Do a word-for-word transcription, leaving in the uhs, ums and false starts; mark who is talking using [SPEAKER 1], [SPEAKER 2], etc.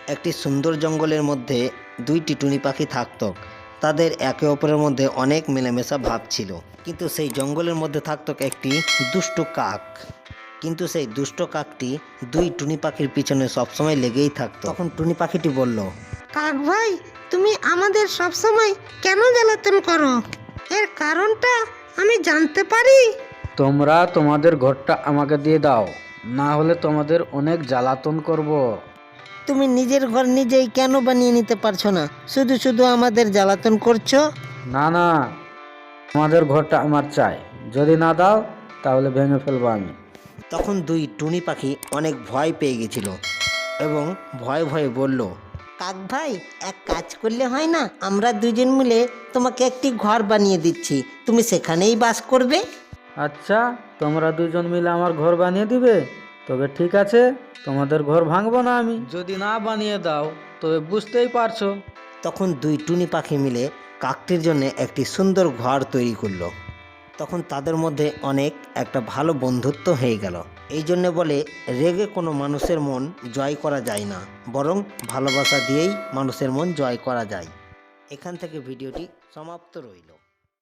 [SPEAKER 1] একটি সুন্দর জঙ্গলের মধ্যে দুইটি টুনি পাখি থাকত। তাদের একে অপরের মধ্যে অনেক মেলামেশা ভাব ছিল। কিন্তু সেই জঙ্গলের মধ্যে থাকত একটি দুষ্টু কাক। কিন্তু সেই দুষ্ট কাকটি দুই টুনি পাখির পিছনে সবসময় লেগেই থাকতো। তখন টুনি পাখিটি বলল,
[SPEAKER 2] কাক ভাই, তুমি আমাদের সব সময় কেন জ্বালাতন করো? এর কারণটা আমি জানতে পারি?
[SPEAKER 3] তোমরা তোমাদের ঘরটা আমাকে দিয়ে দাও, না হলে তোমাদের অনেক জ্বালাতন করব।
[SPEAKER 2] তুমি নিজের ঘর নিজেই কেন বানিয়ে নিতে পারছো না? শুধু শুধু আমাদের জ্বালাতন করছো।
[SPEAKER 3] না না, তোমাদের ঘরটা আমার চাই। যদি না দাও তাহলে ভেঙে ফেলবো আমি।
[SPEAKER 1] তখন দুই টুনি পাখি অনেক ভয় পেয়ে গেছিল এবং ভয়ে ভয়ে বলল,
[SPEAKER 2] কাক ভাই, এক কাজ করলে হয় না? আমরা দুজন মিলে তোমাকে একটি ঘর বানিয়ে দিচ্ছি, তুমি সেখানেই বাস করবে।
[SPEAKER 3] আচ্ছা, তোমরা দুজন মিলে আমার ঘর বানিয়ে দিবে? তবে ঠিক আছে, তোমাদের ঘর ভাঙবো না আমি। যদি না বানিয়ে দাও তবে বুঝতেই পারছো।
[SPEAKER 1] তখন দুই টুনি পাখি মিলে কাকটির জন্য একটি সুন্দর ঘর তৈরি করলো। তখন তাদের মধ্যে অনেক একটা ভালো বন্ধুত্ব হয়ে গেল। এই জন্য বলে, রেগে কোনো মানুষের মন জয় করা যায় না, বরং ভালোবাসা দিয়েই মানুষের মন জয় করা যায়। এখান থেকে ভিডিওটি সমাপ্ত রইল।